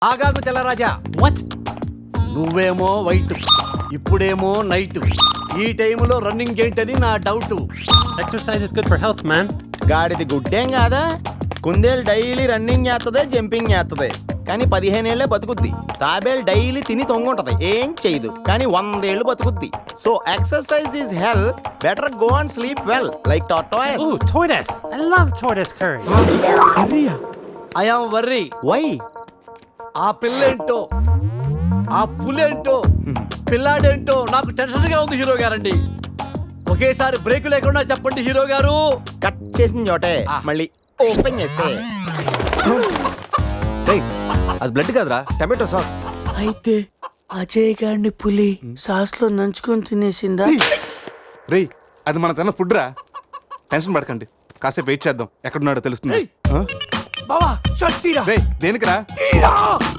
ఆగాగు తెల్లరాజా. వాట్? నువ్వేమో వైట్, ఇప్పుడేమో నైట్. ఈ టైంలో రన్నింగ్ ఏంటని నా doubt. Exercise is good for health, man. గాడిది గుడ్డేం కాదా? కుందేలు డైలీ రన్నింగ్ చేస్తుంది, జంపింగ్ చేస్తుంది, కానీ 15 ఏళ్లే బతుకుద్ది. తాబేలు డైలీ తిని తొంగుంటది, ఏం చేయదు, కానీ 100 ఏళ్ళు బతుకుద్ది. So exercise is health, better go and sleep well like tortoise. Ooh, tortoise. I love tortoise curry. I am worry. Why? ఆ పిల్లేంటో, ఆ పులేంటో, పిల్లాడేంటో నాకు టెన్షన్ గా ఉంది హీరో గారండి. ఒకేసారి బ్రేక్ లేకుండా చెప్పండి హీరో గారు. కట్ చేసిన చోటే మళ్ళీ ఓపెన్ చేస్తే అది బ్లడ్ కాదురా, టమాటో సాస్. అయితే అజయ్ గారిని పులి సాస్ లో నంచుకొని తినేసిందా? రేయ్, అది మన తన ఫుడ్ రా. టెన్షన్ పడకండి, కాసేపు వెయిట్ చేద్దాం, ఎక్కడున్నాడో తెలుస్తుంది. బావా షర్ట్ తీరా. రేయ్, దేనికిరా? తీరా.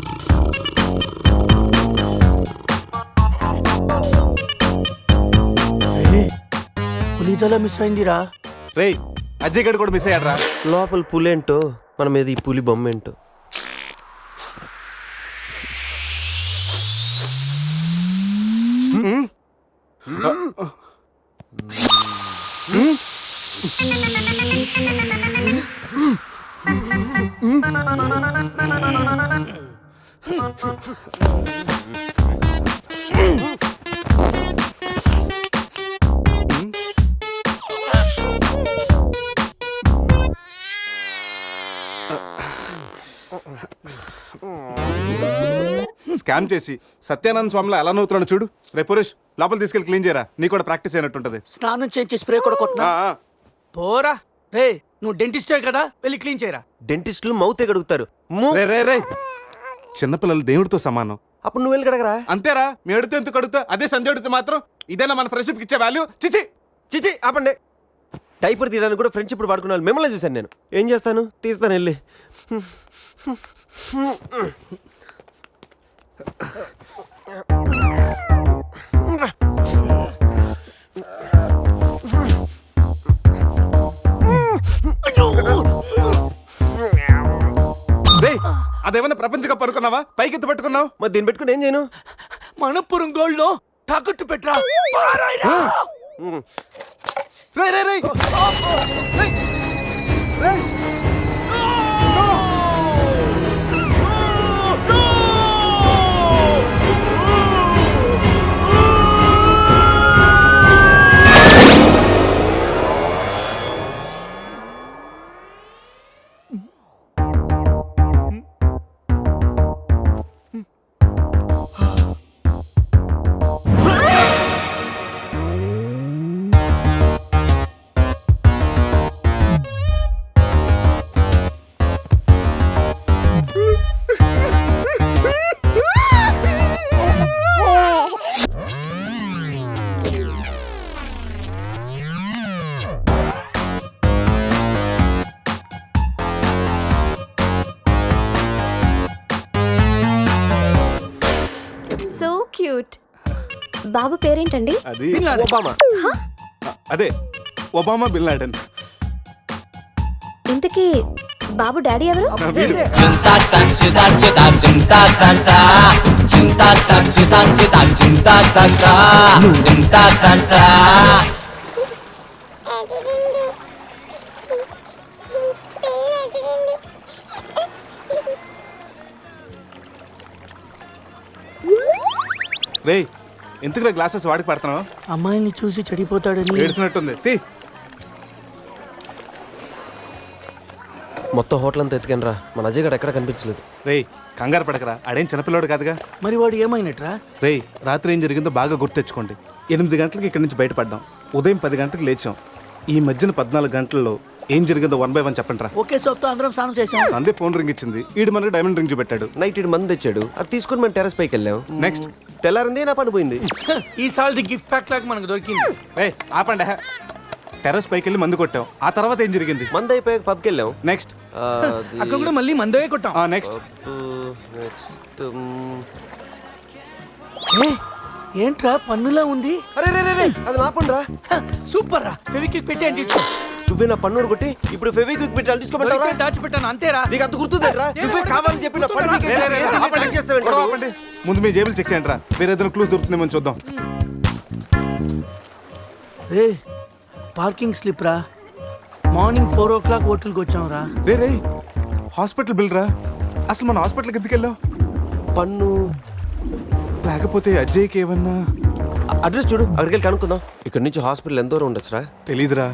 పులితల మిస్ అయిందిరా. రేయ్, అజయ్ గడ్ కూడా మిస్ అయ్యాడ్రా. లోపల పులేంటో మన మీద ఈ పులి బొమ్మ ఏంటో. స్కామ్ చేసి సత్యానంద స్వామిలో ఎలా నవ్వుతున్నాడు చూడు. రే పురేష్, లోపల తీసుకెళ్ళి క్లీన్ చేయరా, నీ కూడా ప్రాక్టీస్ అయినట్టుంటది. స్నానం చేయించి స్ప్రే కూడా కొట్టినా. పోరా రే, నువ్వు డెంటిస్టే కదా, వెళ్ళి క్లీన్ చేయరా. డెంటిస్టులు మౌతే కడుగుతారు. రే రే రే, చిన్నపిల్లలు దేవుడితో సమానం. అప్పుడు నువ్వు వెళ్ళి కడగరా. అంతేరా, మీ అడితే ఎందుకు అడుగుతా, అదే సంధ్య అడిగితే మాత్రం ఇదేనా మన ఫ్రెండ్షిప్ ఇచ్చే వాల్యూ? చిచి చిచి ఆపండి. డైపర్ తీయడానికి కూడా ఫ్రెండ్స్ ఇప్పుడు వాడుకున్నాను. మిమ్మల్ని చూశాను నేను. ఏం చేస్తాను, తీస్తాను వెళ్ళి. రే, అదేమన్నా ప్రపంచ కప్ అనుకున్నావా? పైకి ఎత్తి పట్టుకున్నావు. మరి దీన్ని పెట్టుకుని ఏం చేయను? మనపురం గోల్డ్ లో తాకట్టు పెట్టరా. పారాయిరా. రే రే రే రే రే. క్యూట్. బాబు పేరేంటండి? అది ఒబామా. అదే ఒబామా బిన్ లాడెన్. ఇంతకీ బాబు డాడీ ఎవరు? రే, ఎందుకు గ్లాసెస్ వాడికి పడుతున్నావు? అమ్మాయిని చూసి చెడిపోతాడని. ఏడ్చినట్టుంది. తీ. మొత్తం హోటల్ అంతా ఎత్తుకాను రా, మన అజయ్ గడ ఎక్కడ కనిపించలేదు. రే, కంగారు పడకరా, ఆడేం చిన్నపిల్లోడు కాదుగా. మరి వాడు ఏమైనట్రా? రే, రాత్రి ఏం జరిగిందో బాగా గుర్తెచ్చుకోండి. 8 గంటలకు ఇక్కడి నుంచి బయటపడ్డాం, ఉదయం 10 గంటలకు లేచాం. ఈ మధ్యన 14 గంటల్లో ఏం జరిగిందో 1 by 1 చెప్పండి రా. ఒకే సోప్తో అందరం స్నానం చేసాం. సందే ఫోన్ రింగ్ ఇచ్చింది, ఈడు మనకి డైమండ్ రింగ్ చూపెట్టాడు. నైట్ ఇటు మంది తెచ్చాడు, అది తీసుకుని మనం టెర్రస్ పైకి వెళ్ళాం. నెక్స్ట్ తెల్లారింది నా పని పోయింది. ఈ సాల్ది గిఫ్ట్ ప్యాక్ లాగా మనకు దొరికింది. ఏ ఆపండి, టెర్రస్ పైకి వెళ్ళి మందు కొట్టాం. ఆ తర్వాత ఏం జరిగింది? మంది అయిపోయాక పబ్కి వెళ్ళాం. నెక్స్ట్ అక్కడ కూడా మళ్ళీ మందే కొట్టాం. నెక్స్ట్ ఏంట్రా పన్నులా ఉంది? అరే రే రే, అది నా పని రా. సూపర్ రా, ఫెవిక్విక్ పెట్టి అంటించు. నువ్వే నా పన్ను కొట్టి ఇప్పుడు ఫెవిక్విక్ పెట్టాలి తీసుకోమంటావా దొరికితే దాచిపెట్టాను అంతేరా. నీకు అంత గుర్తుందేట్రా నువ్వే కావాలని చెప్పి నా పన్ను పీకేసి ఏం తెలియదు check చేస్తావేంట్రా? ఆపండి. ముందు మీ జేబులు చెక్ చేయండి రా, వేరే ఏదైనా క్లూస్ దొరుకుతుందేమో చూద్దాం. రే పార్కింగ్ స్లిప్ రా. మార్నింగ్ 4 o'clock హోటల్కి వచ్చాం రా. రే రే హాస్పిటల్ బిల్ రా. అసలు మన హాస్పిటల్కి ఎందుకు వెళ్ళావు? పన్ను లేకపోతే అజయ్కి ఏమన్నా అడ్రస్ చూడు, అక్కడికి వెళ్ళి కనుక్కుందాం. ఇక్కడ నుంచి హాస్పిటల్ ఎంత దూరం ఉండొచ్చురా? తెలీదురా.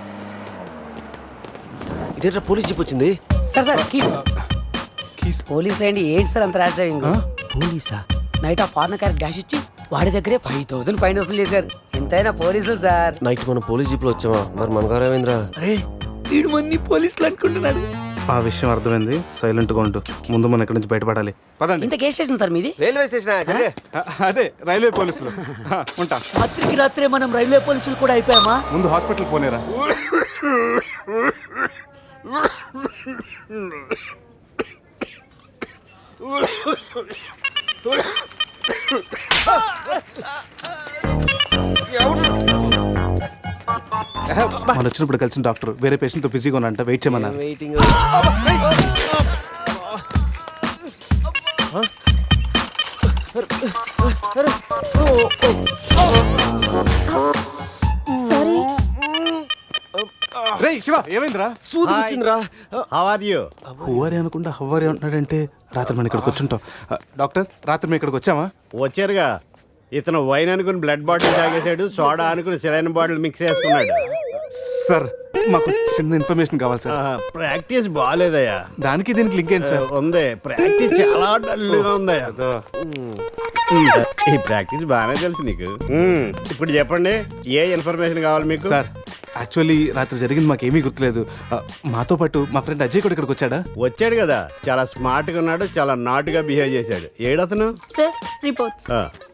ఇదేంట్రా పోలీస్ జీప్ వచ్చింది? Sir keys. పోలీసులు ఏంటి సార్ అంత ర్యాష్ డ్రైవింగ్? పోలీసా? నైట్ ఆ ఫారెన్ కార్ డాష్ ఇచ్చి వాడి దగ్గరే 5,000 ఫైన్ వసూలు చేశారు. ఎంతైనా పోలీసులు సార్. నైట్ మనం పోలీస్ జీప్ లో వచ్చామా? మరి మన గారు ఏమైందిరా? అరే వీడు మంది పోలీసులు అనుకుంటున్నాడు. ఆ విషయం అర్థమైంది, సైలెంట్ గా ఉండు. ముందు మనం ఇక్కడి నుంచి బయటపడాలి. పదండి. ఇంత కేసు స్టేషన్ సార్ మీది? రైల్వే స్టేషన్ అదే రైల్వే పోలీసులు. ఉంటా. రాత్రికి రాత్రే మనం రైల్వే పోలీసులు కూడా అయిపోయామా? ముందు హాస్పిటల్ పోనేరా. మనం వచ్చినప్పుడు కలిసిన డాక్టర్ వేరే పేషెంట్ తో బిజీగా ఉన్నంట, వెయిట్ చేయమన్నారు. వెయిటింగ్. సారీ. రే శివ, ఏమైందిరా? సూది వచ్చిందిరా. How are you? హువారి అనుకుంటా హువారి అంటున్నాడంటే రాత్రి మనం ఇక్కడికి వచ్చుంటాం. డాక్టర్, రాత్రి మేము ఇక్కడికి వచ్చామా? వచ్చారుగా. ఇతను వైన్ అనుకుని బ్లడ్ బాటిల్ తాగేశాడు, సోడా అనుకుని సెలైన్ బాటిల్ మిక్స్ చేసుకున్నాడు. సార్ మాకు చిన్న ఇన్ఫర్మేషన్ కావాలి సార్. ప్రాక్టీస్ బాగాలేదయ్యా. దానికి దీనికి లింక్ ఏంటి సార్? ఉంది, ప్రాక్టీస్ చాలా డల్గా ఉందయ్యా. ఈ ప్రాక్టీస్ బాగానే తెలుసు నీకు. ఇప్పుడు చెప్పండి, ఏ ఇన్ఫర్మేషన్ కావాలి మీకు? సార్ యాక్చువల్లీ రాత్రి జరిగింది మాకేమీ గుర్తులేదు. మాతో పాటు మా ఫ్రెండ్ అజయ్ కూడా ఇక్కడికి వచ్చాడా? వచ్చాడు కదా, చాలా స్మార్ట్ గా ఉన్నాడు, చాలా నాటుగా బిహేవ్ చేశాడు. ఏడతను? Sir reports.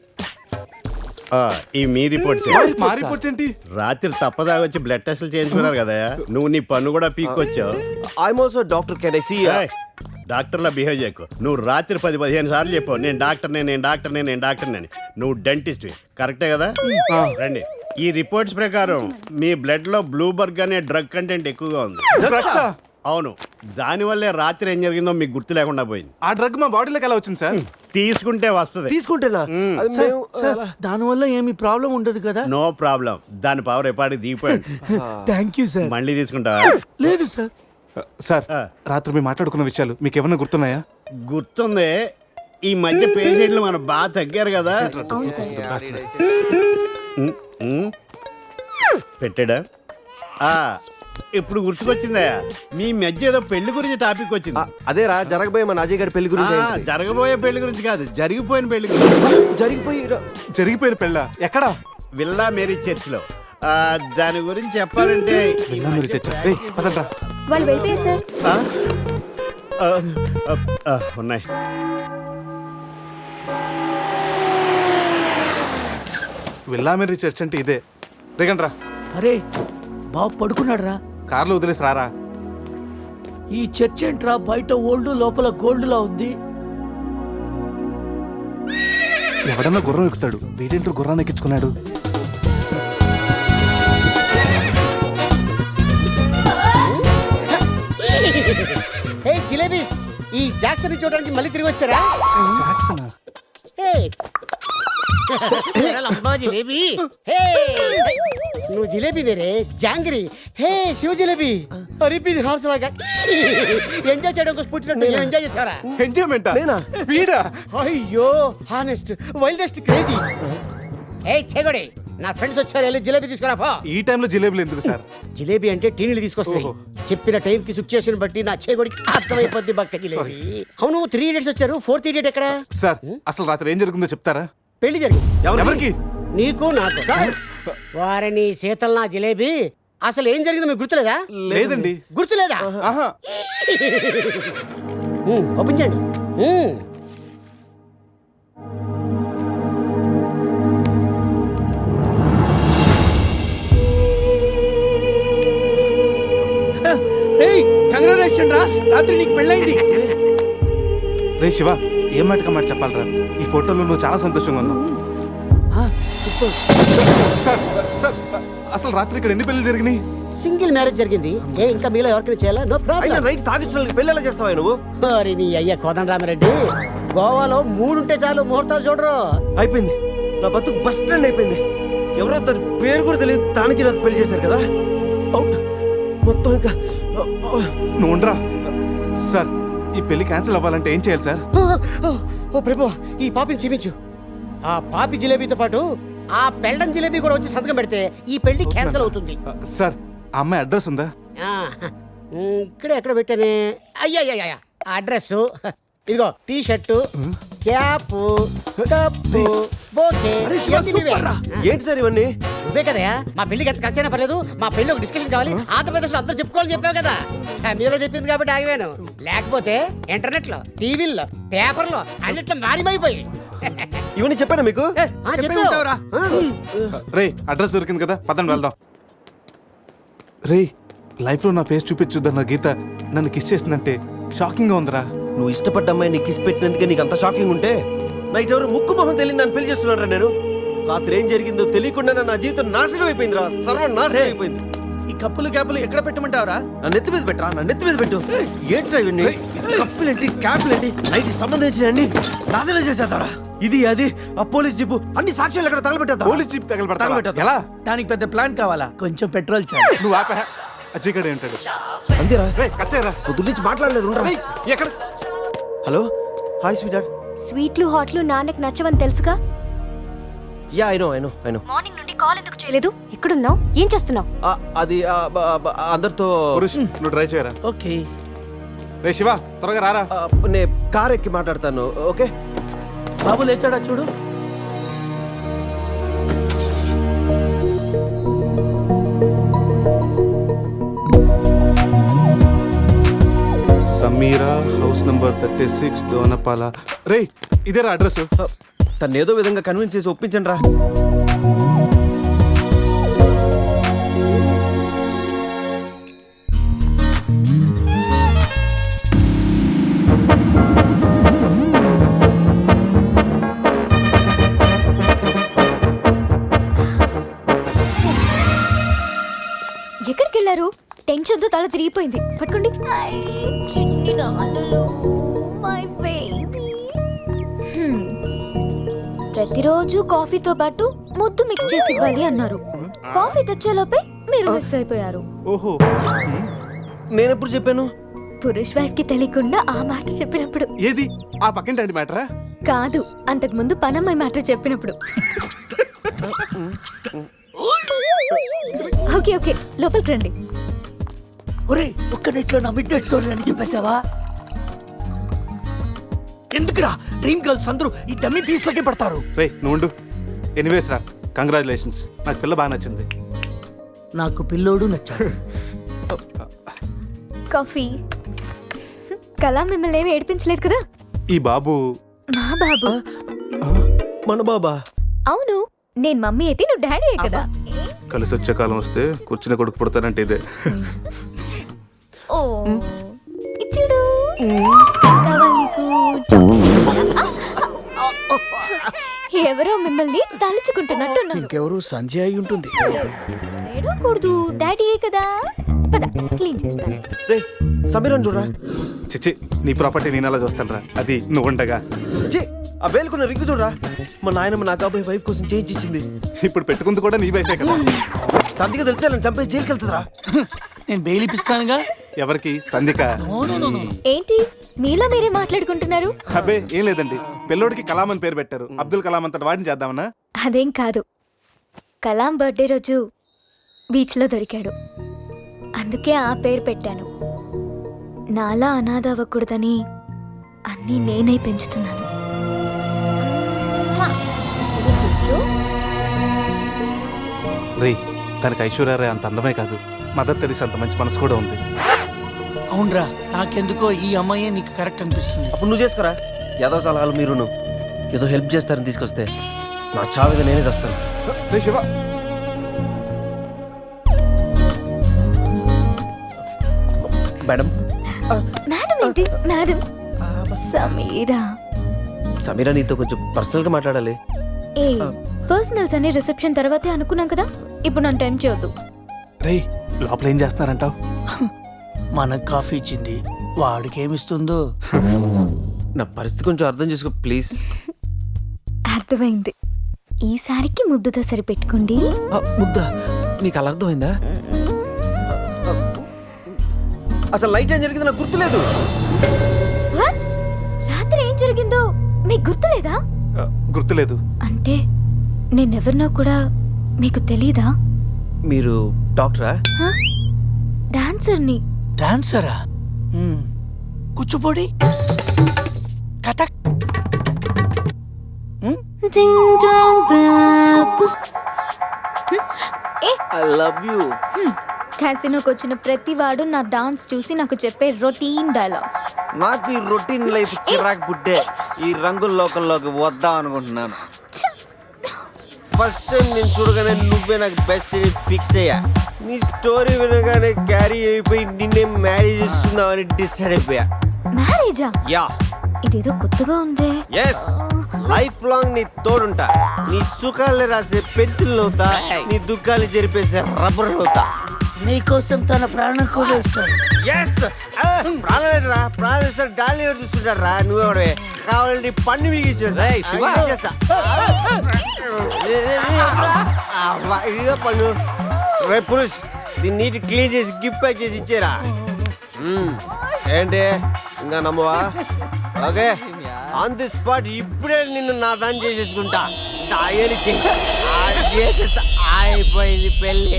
ఈ మీ రిపోర్ట్స్ మా రిపోర్ట్స్ ఏంటి? రాత్రి తప్పదా వచ్చి బ్లడ్ టెస్ట్లు చేయించుకున్నారు కదా, నువ్వు నీ పన్ను కూడా పీక్కొచ్చావు. I'm also doctor. Can I see? డాక్టర్లా బిహేవ్ చేయకు. నువ్వు రాత్రి 10-15 సార్లు చెప్పావు నేను డాక్టర్నే అని. నువ్వు డెంటిస్ట్, కరెక్టే కదా? రండి. ఈ రిపోర్ట్స్ ప్రకారం మీ బ్లడ్ లో బ్లూబర్గ్ అనే డ్రగ్ కంటెంట్ ఎక్కువగా ఉంది. డ్రగ్సా? అవును, దానివల్లే రాత్రి ఏం జరిగిందో మీకు గుర్తు లేకుండా పోయింది. ఆ డ్రగ్ మా బాడీలోకి ఎలా వచ్చింది సార్? తీసుకుంటే వస్తుంది. తీసుకుంటేనా? అది మేము దానివల్ల ఏమి ప్రాబ్లం ఉండదు కదా? No problem. దాని పవర్ ఎప్పటికి దిగిపోయాడు. Thank you sir. మళ్ళీ తీసుకుంటావా? లేదు సార్. సార్ రాత్రి మేము మాట్లాడుకున్న విషయాలు మీకు ఏమన్నా గుర్తున్నాయా? గుర్తుంది. ఈ మధ్య పేషెంట్లు మనం బాగా తగ్గారు కదా. పెట్టాడా? ఇప్పుడు గుర్తుకొచ్చిందయ్యా, మీ మధ్య ఏదో పెళ్లి గురించి టాపిక్ వచ్చింది. అదేరా జరగబోయే మన అజయ్ గారి పెళ్లి గురించి. జరగబోయే పెళ్లి గురించి కాదు, జరిగిపోయిన పెళ్లి గురించి. జరిగిపోయిన పెళ్ళ ఎక్కడా? విల్లా మేరీ చర్చ్ లో. దాని గురించి చెప్పాలంటే విల్లా మేరీ చర్చ్. రేయ్, పదండ్రా. వాళ్ళు వెళ్ళిపోయారు సార్. ఉన్నాయి. విల్లా మేరీ చర్చ్ అంటే ఇదే. దిగండ్రా. అరే బాబు పడుకున్నాడు రా. కార్లో వదిలేసి రారా. ఈ చర్చ్ ఏంట్రా, బయట ఓల్డ్ లోపల గోల్డ్ లా ఉంది. ఎవడన్నా గుర్రం ఎక్కుతాడు, వీడేంటో గుర్రాన్ని ఎక్కించుకున్నాడు. జిలేబీస్, ఈ జాక్సన్ చూడడానికి మళ్ళీ తిరిగి వచ్చారా? జాక్సనా? జిలేబీ, నువ్వు జిలేబీ దేరే జాంగ్రీ. హే శివ జిలేబీ, అరిపి హార్స్ లాగా ఎంజాయ్ చేయడం కోసం పుట్టినట్టు ఎంజాయ్ చేసారా? ఎంజాయ్మెంట్ వీడా? అయ్యో హానెస్ట్ వైల్డెస్ట్ క్రేజీ. ఏ చెగొడి, నా ఫ్రెండ్స్ వచ్చారు, వెళ్ళి జిలేబీ తీసుకురా పో. ఈ టైంలో జిలేబులు ఎందుకు సార్? జిలేబీ అంటే టీనీలు తీసుకొస్తాయి. చెప్పిన టైం కి సిచ్యుయేషన్ బట్టి నా చేగొడికి అర్థమైపోద్ది బక్క జిలేబీ. అవును, 3 idiots వచ్చారు, 4th idiot ఎక్కడ? సార్ అసలు రాత్రి ఏం జరుగుతుందో చెప్తారా? పెళ్లి జరిగింది. ఎవరికి? నీకు నాకు. వారిని శీతల్ నా జిలేబీ, అసలు ఏం జరిగిందో మీకు గుర్తులేదా? లేదండి. గుర్తులేదా? ఆహా. ఓపెన్ చేయండి. కంగ్రాచులేషన్ రా, రాత్రి నీకు పెళ్ళైంది. రే శివ, ఏం మాటగా మాట చెప్పాలరా? ఈ ఫోటోలో నువ్వు చాలా సంతోషంగా ఉన్నావు. సార్ సార్ అసలు రాత్రి ఇక్కడ ఎన్ని పెళ్లి జరిగినాయి? సింగిల్ మ్యారేజ్ జరిగింది. ఏ ఇంకా మీలో ఎవరికైనా చేయాలా? నో అయినా ప్రాబ్లం. నైట్ తాగించిన వాళ్ళకి పెళ్ళి ఎలా చేస్తావా నువ్వు? మరి నీ అయ్య కోదండరామిరెడ్డి, గోవాలో 3 ఉంటే చాలు ముహూర్తాలు చూడరు. అయిపోయింది, నా బతుకు బస్ స్టాండ్ అయిపోయింది. ఎవరో దాని పేరు కూడా తెలియదు, దానికి నాకు పెళ్లి చేశారు కదా. అవుట్ మొత్తం ఇంకా నువ్వు ఉండరా సార్. ఈ పెళ్లి క్యాన్సిల్ అవ్వాలంటే ఏం చేయాలి సార్? ఓ ప్రభు, ఈ పాపిని క్షమించు. ఆ పాపి జిలేబీతో పాటు ఆ పెళ్ళం జిలేబీ కూడా వచ్చి సంతకం పెడితే ఈ పెళ్లి క్యాన్సిల్ అవుతుంది. సార్ ఆ అమ్మాయి అడ్రస్ ఉందా? ఆ, ఇక్కడే ఎక్కడ పెట్టానే? అయ్యా అడ్రస్ ఇదిగో, T shirt, cap, cup, bouquet. ఇవన్నీ నువ్వే. ఏంటి సార్ ఇవన్నీ? నువ్వే కదయా మా పెళ్లికి ఎంత ఖర్చైనా పర్లేదు, మా పెళ్లి ఒక డిస్కషన్ కావాలి, ఆంధ్రప్రదేశ్ లో అందరూ చెప్పుకోవాలని చెప్పావు కదా. సమీరా చెప్పింది కాబట్టి ఆగిపోయాను, లేకపోతే ఇంటర్నెట్ లో, టీవీల్లో, పేపర్లో అన్నిట్లో మారిమైపోయి. ఇవన్నీ చెప్పానా మీకు? చెప్పే ఉంటావురా. రే అడ్రస్ దొరికింది కదా, పదండి వెళ్దాం. రే లైఫ్లో నా ఫేస్ చూపించుద్దన్న గీత నన్ను కిస్ చేసిందంటే షాకింగ్గా ఉందిరా. నువ్వు ఇష్టపడ్డ అమ్మాయి నీకు కిస్ పెట్టినందుకే నీకు అంత షాకింగ్ ఉంటే, నైట్ ఎవరు ముక్కు మొహం తెలియదు దాన్ని పెళ్లి చేస్తున్నారా నేను? రాత్రి ఏం జరిగిందో తెలియకుండా నా జీవితం నాశనం అయిపోయిందిరా, సర్వం నాశనం అయిపోయింది. ఈ కప్పులు క్యాపులు ఎక్కడ పెట్టమంటావురా? నా నెత్తి మీద పెట్టరా, నా నెత్తి మీద పెట్టు. ఏంట్రా ఇవన్నీ? కప్పులేంటి, క్యాప్లేంటి, నైట్ సంబంధించిన అన్ని నాశనం చేసేద్దారా. ఇది అది ఆ పోలీస్ జీపు అన్ని సాక్ష్యాలు ఎక్కడ తగలబెట్టా? Police jeep తగలబెడతా తగలబెట్టా. ఎలా? దానికి పెద్ద ప్లాన్ కావాలా? కొంచెం పెట్రోల్ చాలు. నువ్వు ఆపా. అజయ్ గడే ఉంటాడు. అంతేరా? రే కచ్చేరా. పొద్దు నుంచి మాట్లాడలేదు. ఉండరా. ఎక్కడ? Hello, hi sweet dad. స్వీట్లు హాట్లు నాన్నకి నచ్చవని తెలుసుగా. Yeah I know. మార్నింగ్ నుండి కాల్ ఎందుకు చేయలేదు? ఎక్కడున్నావు? ఏం చేస్తున్నావు? అది అందరితో పురుష్ నువ్వు ట్రై చేయరా. ఓకే. రే శివ త్వరగా రారా. నేను కార్ ఎక్కి మాట్లాడతాను. ఓకే బాబు లేచాడా చూడు. Sameera house number 36 Donapala. రే ఇదేరా అడ్రస్. తను ఏదో విధంగా కన్విన్స్ చేసి ఒప్పించండి రా. ఎక్కడికి వెళ్ళారు? టెన్షన్ తో తల తిరిగిపోయింది. పట్టుకోండి. ప్రతిరోజు కాఫీతో పాటు ముద్దు మిక్స్ చేసి ఇవ్వాలి అన్నారు. కాఫీ తెచ్చేలోపే మీరు మిస్ అయిపోయారు. ఓహో నేను ఎప్పుడు చెప్పాను? పురుష్ వైఫ్ కి తెలియకుండా ఆ మాట చెప్పినప్పుడు. ఏది ఆ పక్కింటి మ్యాటరా? కాదు, అంతకు ముందు పనమ్మాయి మాట చెప్పినప్పుడు. ఓకే ఓకే, లోపలికి రండి. ఒరే, ఒక్క నెట్లో నా మిడ్ నైట్ స్టోరీ అని చెప్పేసావా? ఎందుకురా డ్రీమ్ గర్ల్స్ అందరూ ఈ డమ్మీ పీస్ లకే పడతారు? రే నువ్వు ఉండు. ఎనీవేస్ రా, కంగ్రాచులేషన్స్. నాకు పిల్ల బాగా నచ్చింది. నాకు పిల్లోడు నచ్చాడు. కాఫీ. కళా మిమ్మల్ని ఏమి ఏడిపించలేదు కదా? ఈ బాబు మా బాబు. మన బాబా? అవును, నేను మమ్మీ అయితే నువ్వు డాడీ కదా. కలిసి వచ్చే కాలం వస్తే కూర్చుని కొడుకు పుడతానంటే ఇదే. ఓ ఇచ్చుడు. కావాలి నీకు? ఎవరో మిమ్మల్ని తలుచుకుంటున్నట్టున్నాను. ఇంకెవరు సంజయ్ అయి ఉంటుంది. ఏడవకూడదు, డాడీ కదా. పద క్లీన్ చేస్తాను. రే సమీరన్ చూడరా. చిచ్చి నీ ప్రాపర్టీ నేను అలా చూస్తాను రా. అది నువ్వు ఉండగా. ఛీ, ఆ వేలుకున్న రింగు చూడరా. మా నాయనమ్మ నా కాబోయే వైఫ్ కోసం చేయించి ఇచ్చింది. ఇప్పుడు పెట్టుకుంది కూడా నీ వయసే కదా. సంధిగా తెలిస్తే నన్ను చంపేసి జైలుకి వెళ్తుందిరా. నేను బెయిల్ ఇప్పిస్తానుగా. ఎవరికి? సంధిక. ఏంటి మీలో మీరే మాట్లాడుకుంటున్నారు? అబ్బే ఏం లేదండి, పిల్లోడికి కలాం అని పేరు పెట్టారు. అబ్దుల్ కలాం అంతటి వాడిని చేద్దామన్నా. అదేం కాదు, కలాం బర్త్డే రోజు బీచ్లో దొరికాడు, అందుకే ఆ పేరు పెట్టాను. నాలా అనాథ అవ్వకూడదని అన్నీ నేనే పెంచుతున్నాను. రే తనకి ఐశ్వర్యరాయ్ అంత అందమే కాదు, మదర్ తెరీసా అంత మంచి మనసు కూడా ఉంది. అవునరా, నాకెందుకో ఈ అమ్మాయే నీకు కరెక్ట్ అనిపిస్తుంది. అప్పుడు నువ్వు చేసుకురా. ఏదో సలహాలు మీరును ఏదో హెల్ప్ చేస్తారని తీసుకొస్తే నా చావిద నేనే చేస్తాను. రే శివ. మేడం. మేడం ఏంటి మేడం? సమీరా. సమీరా నీతో కొంచెం పర్సనల్ గా మాట్లాడాలి. ఏ పర్సనల్స్ అనే రిసెప్షన్ తర్వాతే అనుకున్నాం కదా, ఇప్పుడు నన్ను టైం చేయొద్దు. రే లోపల ఏం చేస్తున్నారంటావు? మనకు కాఫీ ఇచ్చింది వాడికి ఏమిస్తుందో. నా పరిస్థితి కొంచెం అర్థం చేసుకో ప్లీజ్. అర్థమైంది. ఈసారికి ముద్దుతో సరిపెట్టుకోండి. ముద్దా నీకు అలా అర్థమైందా? అసలు లైట్ ఏం జరిగింది నాకు గుర్తులేదు. What? రాత్రి ఏం జరిగిందో మీకు గుర్తులేదా? గుర్తులేదు. అంటే నేనెవరినో కూడా మీకు తెలీదా? మీరు డాక్టరా? డాన్సర్ని. డాన్సరా? Kuchipudi, Kathak. I love you. క్యాసినోకి వచ్చిన ప్రతి వాడు నా డాన్స్ చూసి నాకు చెప్పే రొటీన్ డైలాగ్. నాకు ఈ రొటీన్ లైఫ్ చిరాకు పుట్టే ఈ రంగుల లోకల్లోకి వద్దాం అనుకుంటున్నాను. ఫస్ట్ టైం నేను చూడగానే నువ్వే నాకు బెస్ట్ ఫిక్స్ అయ్యా. నీ స్టోరీ వినగానే క్యారీ అయిపోయి నిన్నే మ్యారేజ్ చేస్తున్నామని డిసైడ్ అయిపోయా. మ్యారేజా? యా. ఇదేదో కొత్తగా ఉందే. ఎస్, లైఫ్ లాంగ్ నీ తోడుంటా. నీ సుఖాలు రాసే పెన్సిల్ అవుతా, నీ దుఃఖాలు జరిపేసే రబ్బర్ అవుతా. నీకోసం తన ప్రాణం కూడా ఇస్తాడు. ఎస్, ప్రాణాలేరా ప్రాణాలు డాలి చూస్తుంటారు రా. నువ్వే కావాలంటే పన్ను మిగిచేస్తా. ఇదిగో పన్ను. రే పురుష్, దీన్ని నీటి క్లీన్ చేసి గిఫ్ట్ ప్యాక్ చేసి ఇచ్చేరా. ఏంటి ఇంకా నమ్మవా? ఓకే, ఆన్ ది స్పాట్ ఇప్పుడే నిన్ను నా దాన్ని చేసేసుకుంటా. అయిపోయింది పెళ్ళి.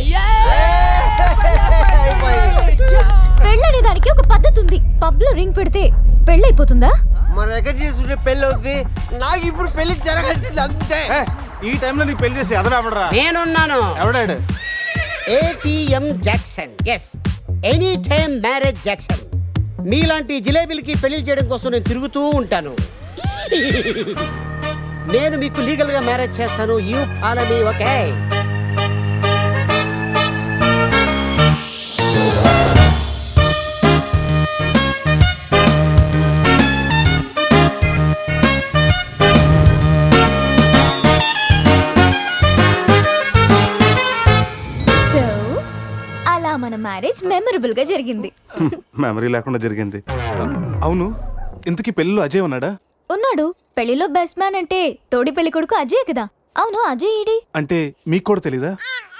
పెళ్ళనే దానికి ఒక పద్ధతి ఉంది. పబ్ లో రింగ్ పెడితే పెళ్ళైపోతుందా? మన ఎక్కడ చేసుకుంటే పెళ్ళి అవుతుంది. నాకు ఇప్పుడు పెళ్లి జరగాల్సింది అంతే. ఈ టైంలో నీకు పెళ్లి చేసి ఎదరాబడరా? నేనున్నాను. ఎవడాడు? ATM Jackson. Yes, any time marriage Jackson. మీలాంటి జిలేబీలకి పెళ్లి చేయడం కోసం నేను తిరుగుతూ ఉంటాను. నేను మీకు లీగల్ గా మ్యారేజ్ చేస్తాను. You follow me, okay? So అలా మన మ్యారేజ్ మెమరబుల్ గా జరిగింది. మెమరీ లేకుండా జరిగింది. అవును, ఇంతకీ పెళ్ళిలో అజయ్ ఉన్నాడా? ఉన్నాడు. పెళ్లిలో బెస్ట్ మ్యాన్ అంటే తోడి పెళ్లి కొడుకు అజయ్ కదా. అవును, అజయ్ ఈడి. అంటే మీకు కూడా తెలీదా?